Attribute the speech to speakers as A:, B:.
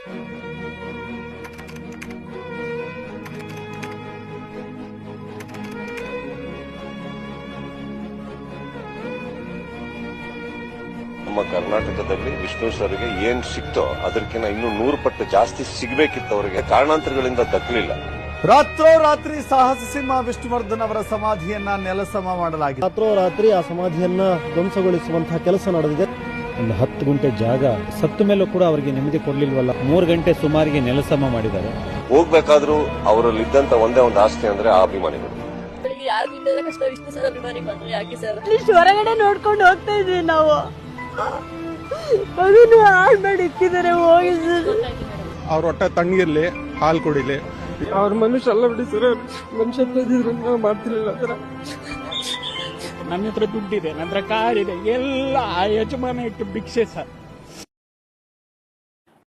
A: ನಮ್ಮ ಕರ್ನಾಟಕದಲ್ಲಿ ವಿಷ್ಣು ಸರ್ಗೆ ಏನ್ ಸಿಕ್ತೋ ಅದಕ್ಕಿಂತ ಇನ್ನೂ 100 ಪಟ್ಟು ಜಾಸ್ತಿ ಸಿಗಬೇಕಿತ್ತು. ಅವರಿಗೆ ಕಾರಣಾಂತರಗಳಿಂದ ದಕ್ಕಲಿಲ್ಲ.
B: ರಾತ್ರೋರಾತ್ರಿ ಸಾಹಸ ಸಿಂಹ ವಿಷ್ಣುವರ್ಧನ್ ಅವರ ಸಮಾಧಿಯನ್ನ ನೆಲಸಮ ಮಾಡಲಾಗಿದೆ.
C: ರಾತ್ರೋರಾತ್ರಿ ಆ ಸಮಾಧಿಯನ್ನ ಧ್ವಂಸಗೊಳಿಸುವಂತಹ ಕೆಲಸ ನಡೆದಿದೆ.
D: ಒಂದು 10 ಗುಂಟೆ ಜಾಗ ಸತ್ತ ಮೇಲೂ ಕೂಡ ಅವರಿಗೆ ನೆಮ್ಮದಿ ಕೊಡ್ಲಿಲ್ವಲ್ಲ. 3 ಗಂಟೆ ಸುಮಾರಿಗೆ ನೆಲಸಮ ಮಾಡಿದ್ದಾರೆ.
A: ಹೋಗ್ಬೇಕಾದ್ರೂ ಅವರಲ್ಲಿ ಇದ್ದಂತ ಒಂದೇ ಒಂದು ಆಸ್ತಿ ಅಂದ್ರೆ ಆ ಅಭಿಮಾನಿಗಳು.
E: ಹೊರಗಡೆ ನೋಡ್ಕೊಂಡು ಹೋಗ್ತಾ ಇದ್ವಿ ನಾವು. ಮಗನು ಹಾಳು ಮಾಡಿ ಇಕ್ಕಿದ್ದಾರೆ. ಹೋಗಿ
F: ಅವ್ರ ಹೊಟ್ಟೆ ತಣ್ಣಗಿರ್ಲಿ, ಹಾಲು ಕುಡಿಲಿ.
G: ಅವ್ರ ಮನುಷ್ಯ ಅಲ್ಲ ಬಿಡಿ ಸರ್. ಮನುಷ್ಯತ್ವ ಇದ್ದಿದ್ರೆ ನಾವು ಮಾಡ್ತಿರ್ಲಿಲ್ಲ ಆ ಥರ.
H: ನನ್ನ ಹತ್ರ ದುಡ್ಡಿದೆ, ನನ್ನ ಹತ್ರ ಕಾರ್ ಇದೆ, ಎಲ್ಲ ಆ ಯಜಮಾನ ಇಟ್ಟು ಭಿಕ್ಷೆ ಸರ್.